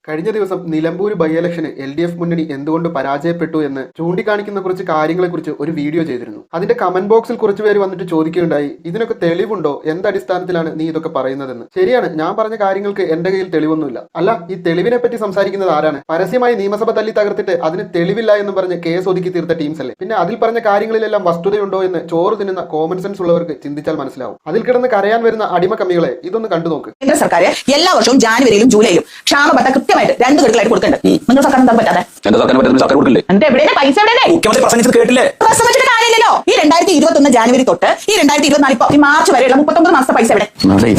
കഴിഞ്ഞ ദിവസം നിലമ്പൂർ ബൈ ഇലക്ഷന് LDF മുന്നണി എന്തുകൊണ്ട് പരാജയപ്പെട്ടു എന്ന് ചൂണ്ടിക്കാണിക്കുന്ന കുറച്ച് കാര്യങ്ങളെക്കുറിച്ച് ഒരു വീഡിയോ ചെയ്തിരുന്നു. അതിന്റെ കമന്റ് ബോക്സിൽ കുറച്ച് പേര് വന്നിട്ട് ചോദിക്കുകയുണ്ടായി, ഇതിനൊക്കെ തെളിവുണ്ടോ, എന്തടിസ്ഥാനത്തിലാണ് നീ ഇതൊക്കെ പറയുന്നതെന്ന്. ശരിയാണ്, ഞാൻ പറഞ്ഞ കാര്യങ്ങൾക്ക് എന്റെ കയ്യിൽ തെളിവൊന്നുമില്ല. അല്ല, ഈ തെളിവിനെ പറ്റി സംസാരിക്കുന്നത് ആരാണ്? പരസ്യമായി നിയമസഭ തല്ലി തകർത്തിട്ട് അതിന് തെളിവില്ല എന്ന് പറഞ്ഞ് കേസ് ഒതുക്കി തീർത്ത ടീംസ് അല്ലേ? പിന്നെ അതിൽ പറഞ്ഞ കാര്യങ്ങളിലെല്ലാം വസ്തുതയുണ്ടോ എന്ന് ചോറ് തിന്നുന്ന കോമൺ സെൻസ് ഉള്ളവർക്ക് ചിന്തിച്ചാൽ മനസ്സിലാവും. അതിൽ കിടന്ന് കരയാൻ വരുന്ന അടിമക്കമ്മികളെ ഇതൊന്ന് കണ്ടു നോക്ക്. കേന്ദ്ര സർക്കാർ എല്ലാ വർഷവും ജാനുവരിയിലും ജൂലൈയിലും ക്ഷാമബത്ത കൃത്യമായിട്ട് 2 ഗഡുക്കളായിട്ട് കൊടുക്കുന്നുണ്ട്. നിങ്ങൾ സർക്കാർ എന്താ പറ്റാതെ? സർക്കാർ കൊടുക്കില്ലേ? എന്റെ എവിടെയാണ് പൈസ? എവിടെയല്ലേ കേട്ടില്ലേ? പ്രസംഗിച്ചിട്ട് കാര്യമില്ലല്ലോ. ഈ 2021 ജാനുവരി തൊട്ട് ഈ 2024 ഇപ്പൊ ഈ മാർച്ച് വരെയുള്ള 39 മാസത്തെ പൈസ എവിടെ?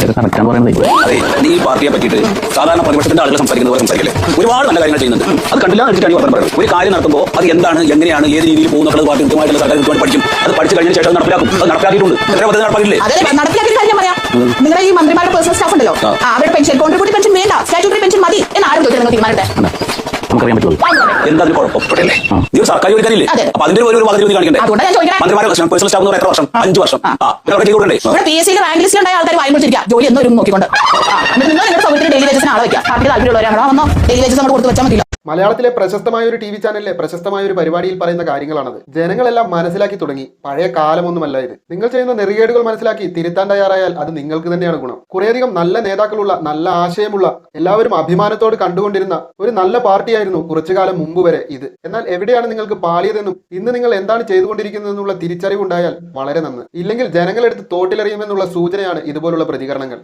ഈ പാർട്ടിയെ പറ്റിയിട്ട് സാധാരണ പ്രതിപക്ഷത്തിന്റെ ആളുകൾ സംസാരിക്കുന്നത് പോലെ സംസാരിക്കില്ലേ? ഒരുപാട് നല്ല കാര്യങ്ങൾ ചെയ്യുന്നുണ്ട്. അത് കണ്ടില്ല വെച്ചിട്ടാണ് പറഞ്ഞു പറയുന്നത്. ഒരു കാര്യം നടത്തുമ്പോൾ അത് എന്താണ്, എങ്ങനെയാണ്, ഏത് രീതിയിൽ പോകുന്ന പാർട്ടി കൃത്യമായിട്ടുള്ള സർക്കാർ കൃത്യമായിട്ട് പഠിക്കും. അത് പഠിച്ചു കഴിഞ്ഞ ശേഷം നടപ്പിലാക്കും. അത് നടപ്പിലാക്കിയിട്ടുണ്ട്. എത്ര പദ്ധതി നടപ്പാക്കില്ലേ? നടപ്പിലാക്കിയ കാര്യം പറയാം. നിങ്ങളുടെ ഈ മന്ത്രിമാരുടെ പേഴ്സണൽ സ്റ്റാഫ് ഉണ്ടല്ലോ, അവരുടെ പെൻഷൻ കോൺട്രിബ്യൂട്ടറി പെൻഷൻ വേണ്ട, സ്റ്റാറ്റ്യൂട്ടറി പെൻഷൻ മതി എന്ന് ആരും ചോദിച്ചാൽ തീരുമാനട്ടെ. നമുക്കറിയാൻ പറ്റുള്ളൂ. എന്താ കുഴപ്പമില്ലേ? ഇത് സർക്കാർ ജോലിക്കാരില്ലേ? അപ്പൊ അതിന്റെ ഒരു പദ്ധതി കാണിക്കണ്ടേ? മന്ത്രിമാരുടെ പേഴ്സണൽ സ്റ്റാഫ് എത്ര വർഷം? 5 വർഷം. ഇവിടെ PSC റാങ്ക് ലിസ്റ്റിൽ ഉണ്ടായ ആൾക്കാർ വാങ്ങി വെച്ചിരിക്കുക, ജോലി എന്നൊരു നോക്കിക്കൊണ്ട്. നിങ്ങൾ നിങ്ങളുടെ സൗകര്യത്തിന് ഡെയിലി വേജസിന് ആളെ വയ്ക്കുക. പാർട്ടിക്ക് താല്പര്യമുള്ളവരാണോ വന്നോ ഡെയിലി വേജസ് നമ്മൾ കൊടുത്ത് വെച്ചാൽ മതിയില്ല. മലയാളത്തിലെ പ്രശസ്തമായ ഒരു TV ചാനലിലെ പ്രശസ്തമായ ഒരു പരിപാടിയിൽ പറയുന്ന കാര്യങ്ങളാണത്. ജനങ്ങളെല്ലാം മനസ്സിലാക്കി തുടങ്ങി. പഴയ കാലമൊന്നുമല്ല ഇത്. നിങ്ങൾ ചെയ്യുന്ന നെറികേടുകൾ മനസ്സിലാക്കി തിരുത്താൻ തയ്യാറായാൽ അത് നിങ്ങൾക്ക് തന്നെയാണ് ഗുണം. കുറേയധികം നല്ല നേതാക്കളുള്ള, നല്ല ആശയമുള്ള, എല്ലാവരും അഭിമാനത്തോട് കണ്ടുകൊണ്ടിരുന്ന ഒരു നല്ല പാർട്ടിയായിരുന്നു കുറച്ചു കാലം മുമ്പ് വരെ ഇത്. എന്നാൽ എവിടെയാണ് നിങ്ങൾക്ക് പാളിയതെന്നും ഇന്ന് നിങ്ങൾ എന്താണ് ചെയ്തുകൊണ്ടിരിക്കുന്നതെന്നുള്ള തിരിച്ചറിവുണ്ടായാൽ വളരെ നന്ന്. ഇല്ലെങ്കിൽ ജനങ്ങളെടുത്ത് തോട്ടിലെറിയുമെന്നുള്ള സൂചനയാണ് ഇതുപോലുള്ള പ്രതികരണങ്ങൾ.